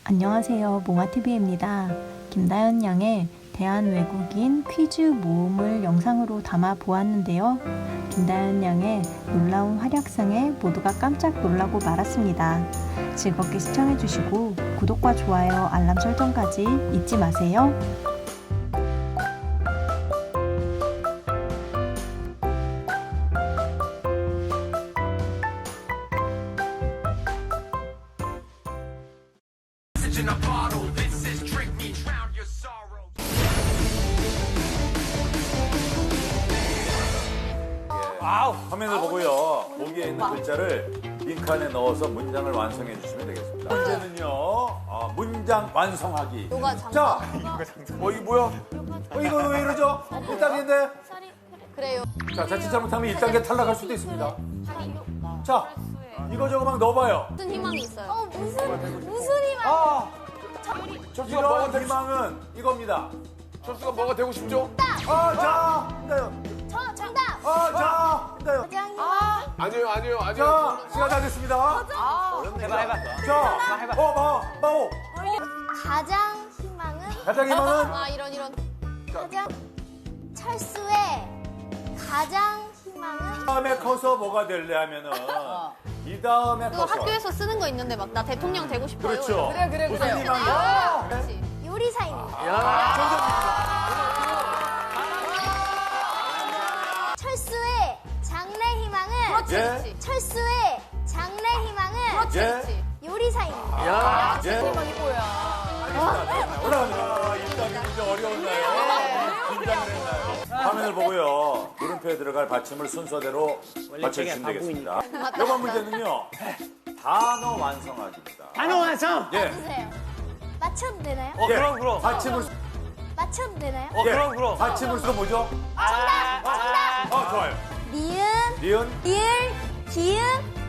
안녕하세요. 몽아TV입니다. 김다연 양의 대한외국인 퀴즈 모음을 영상으로 담아 보았는데요. 김다연 양의 놀라운 활약상에 모두가 깜짝 놀라고 말았습니다. 즐겁게 시청해주시고 구독과 좋아요, 알람 설정까지 잊지 마세요. 화면을 보고요. 보기에 있는 글자를 빈칸에 넣어서 문장을 완성해 주시면 되겠습니다. 문제는요. 문장 완성하기. 자, 이게 뭐야? 이거 왜 이러죠? 1단계인데? 그래요. 자, 자칫 잘못하면 1단계 탈락할 수도 있습니다. 자, 이거 저거 막 넣어봐요. 무슨 희망이 있어요? 무슨 희망? 이런 희망은 이겁니다. 철수가 뭐가 되고 싶죠? 자, 힘내요. 저 정답. 자, 힘내요. 가장 희망. 아니에요. 자, 시간 다 됐습니다. 해봐. 자, 마오. 가장 희망은. 가장 희망은 이런. 가장 철수의 가장 희망은. 다음에 커서 뭐가 될래 하면은 이 다음에 그거 커서 학교에서 쓰는 거 있는데 막 나 대통령 되고 싶어요. 그렇죠. 그래. 무슨 희망이야? 그렇지. 요리사입니다. 철수의 장래 희망은. 예. 철수의 장래 희망은. 예. 요리사입니다. 예. 올라갑니다. 일단 문제 어려웠나요? 긴장을 했나요? 화면을 보고요. 물음표에 들어갈 받침을 순서대로 맞춰주시면 되겠습니다. 이번 문제는요. 단어 완성하기입니다. 단어 완성! 예. 주세요. 맞춰도 되나요? 예. 그럼. 받침을 맞춰도 되나요? 예. 그럼. 받침을 쓰고 뭐죠? 정답. 좋아요. 니은, 니은, 리을, 기은,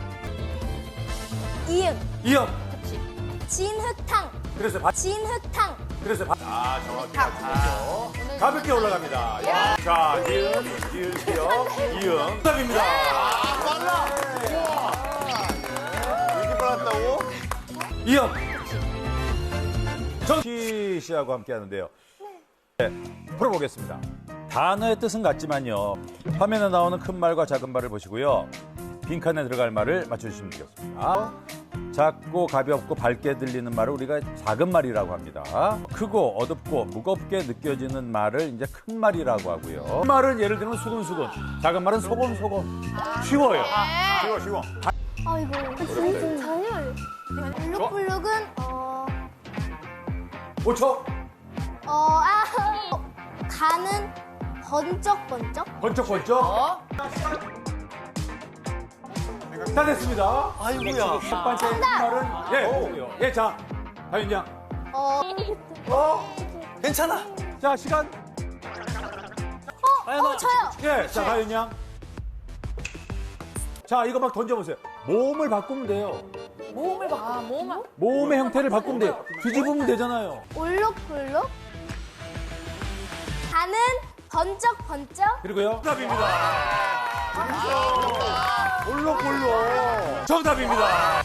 이응. 이응. 진흙탕. 그래서 진흙탕. 정확히 맞추죠. 가볍게 올라갑니다. 자, 니은, 기을, 기역, 이응. 정답입니다. 이렇게 빨랐다고? 이응. 정키 씨하고 함께 하는데요. 네, 풀어보겠습니다. 단어의 뜻은 같지만요. 화면에 나오는 큰 말과 작은 말을 보시고요. 빈칸에 들어갈 말을 맞춰주시면 되겠습니다. 작고 가볍고 밝게 들리는 말을 우리가 작은 말이라고 합니다. 크고 어둡고 무겁게 느껴지는 말을 이제 큰 말이라고 하고요. 큰 말은 예를 들면 수근수근, 작은 말은 소곤소곤. 쉬워요. 쉬워. 아이고. 전혀. 블룩블룩은 5초. 가는 번쩍번쩍. 번쩍번쩍. 다 됐습니다. 아이고야. 첫 번째 말은 예, 자, 다윤 양. 괜찮아. 자, 시간. 저요. 예, 자, 다윤 양. 자, 이거 막 던져보세요. 모음을 바꾸면 돼요. 모음의 형태를 바꾸면 돼요. 뒤집으면 되잖아요. 올록블록. 가는 번쩍번쩍. 그리고요. 정답입니다. 볼록볼록. 정답입니다.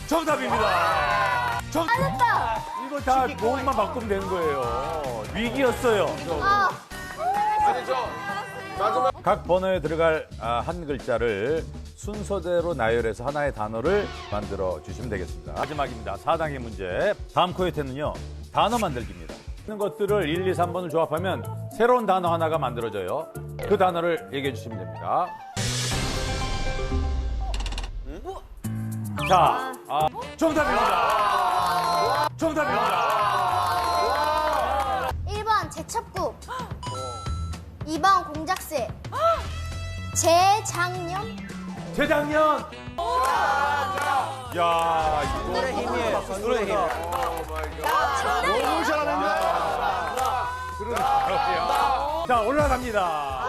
맞았다. 이거 다 모음만 바꾸면 되는 거예요. 위기였어요. 아니죠. 마지막. 각 번호에 들어갈 한 글자를 순서대로 나열해서 하나의 단어를 만들어 주시면 되겠습니다. 마지막입니다. 4단계 문제. 다음 코요태는요. 단어 만들기입니다. 있는 것들을 1, 2, 3번을 조합하면 새로운 단어 하나가 만들어져요. 그 단어를 얘기해 주시면 됩니다. 자, 정답입니다. 1번 제첩국. 2번 공작새. 재작년. 재작년. 야, 이거 노래 힘이에요. 노래 힘. 너무 잘하는데? 자, 올라갑니다.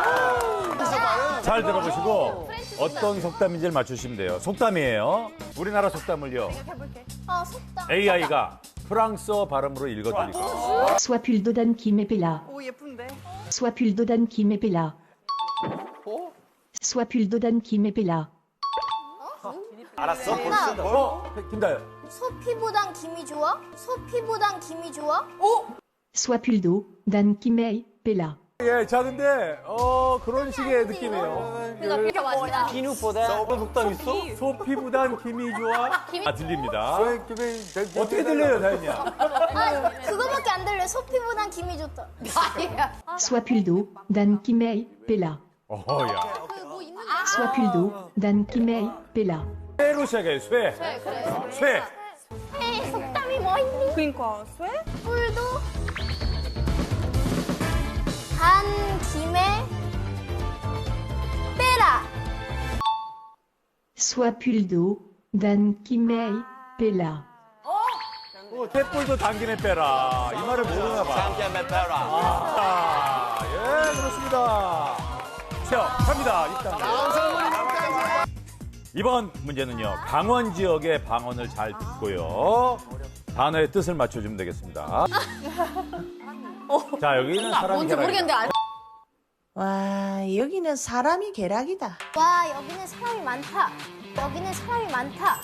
잘 들어보시고 어떤 속담인지를 맞추시면 돼요. 속담이에요. 우리나라 속담을요. 속담. AI가 프랑스어 발음으로 읽어드릴게요. Sois pull d'Odan qui m'épella. 오 예쁜데. Sois pull d'Odan qui m'épella. Sois pull d'Odan qui m'épella. 알았어? 벌써? 김다연. 소피보단 김이 좋아? 소피보단 김이 좋아? Sois plus d'eau, Dan Kimei Bella. 예, 자, 근데, 그런 식의 느낌이에요. 비누보다 어떤 속담 있어? 소피보단 김이 좋아? 아, 들립니다. 어떻게 들려요, 다현이야? 아, 그거밖에 안 들려. 소피보단 김이 좋다. Sois plus d'eau, Dan Kimei Bella. 야. Sois plus d'eau, Dan Kimei Bella. 쇠로 시작해요, 쇠. 쇠. 에이, 속담이 뭐 있니? 그러니까 쇠? 뿔도 간 김에 빼라. Sois plus d'eau, Dan Kimei Bella. 쇠뿔도 당김에 빼라. 이 말을 모르나 봐. 잠깐 빼라. 아, 예, 그렇습니다. 자, 갑니다. 6단계. 이번 문제는요. 강원 지역의 방언을 잘 듣고요. 단어의 뜻을 맞춰주면 되겠습니다. 자, 여기는 사람이 계란이다. 와, 여기는 사람이 계락이다. 와, 여기는 사람이 많다. 여기는 사람이 많다.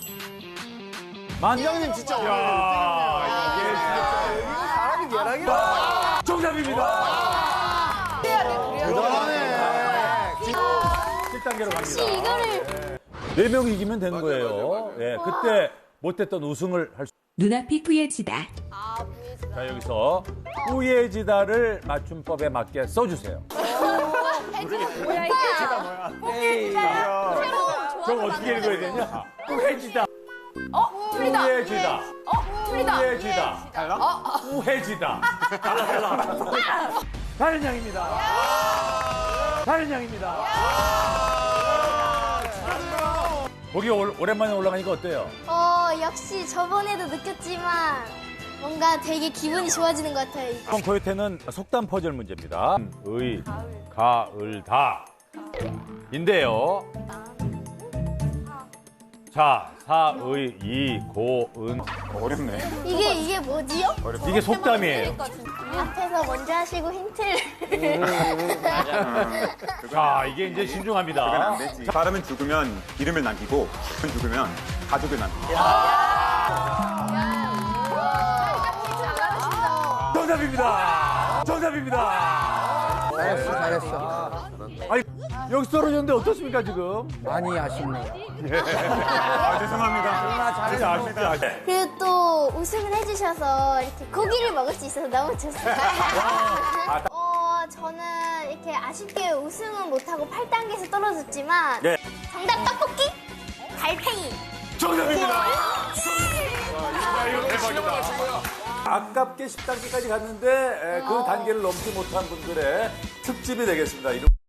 만장님 진짜 야, 이게 진짜 사람이 계란이다. 정답입니다. 대단하네. 7단계로 갑니다. 이거를 4명 이기면 되는 거예요. 예, 그때 못했던 우승을 할 수. 눈앞이 뿌얘지다. 자, 여기서 우예지다를 맞춤법에 맞게 써주세요. 저거 어떻게 읽어야 되냐? 우해지다. 우해지다. 우해지다. 달라? 우해지다. 달라. 다른 양입니다. 다른 양입니다. 거기 오랜만에 올라가니까 어때요? 역시 저번에도 느꼈지만 뭔가 되게 기분이 좋아지는 것 같아요. 이번 코요태는 속담 퍼즐 문제입니다. 의, 가을, 다. 인데요. 자, 사, 의, 이, 고, 은. 어렵네. 이게 뭐지요? 이게 속담이에요. 앞에서 먼저 하시고 힌트를. 자, 이게 이제 신중합니다. 사람은 죽으면 이름을 남기고 죽은 죽으면 가족을 남기고. 정답입니다. 정답입니다. 잘했어. 아니, 여기 떨어졌는데 어떻습니까, 지금? 많이 아쉽네요. 죄송합니다. 진짜 아쉽다. 그리고 또 우승을 해주셔서 이렇게 고기를 먹을 수 있어서 너무 좋습니다. 저는 이렇게 아쉽게 우승은 못하고 8단계에서 떨어졌지만 네. 정답 떡볶이? 달팽이. 정답입니다. 야, 이거 대박이다. 아깝게 10단계까지 갔는데 그 단계를 넘지 못한 분들의 특집이 되겠습니다.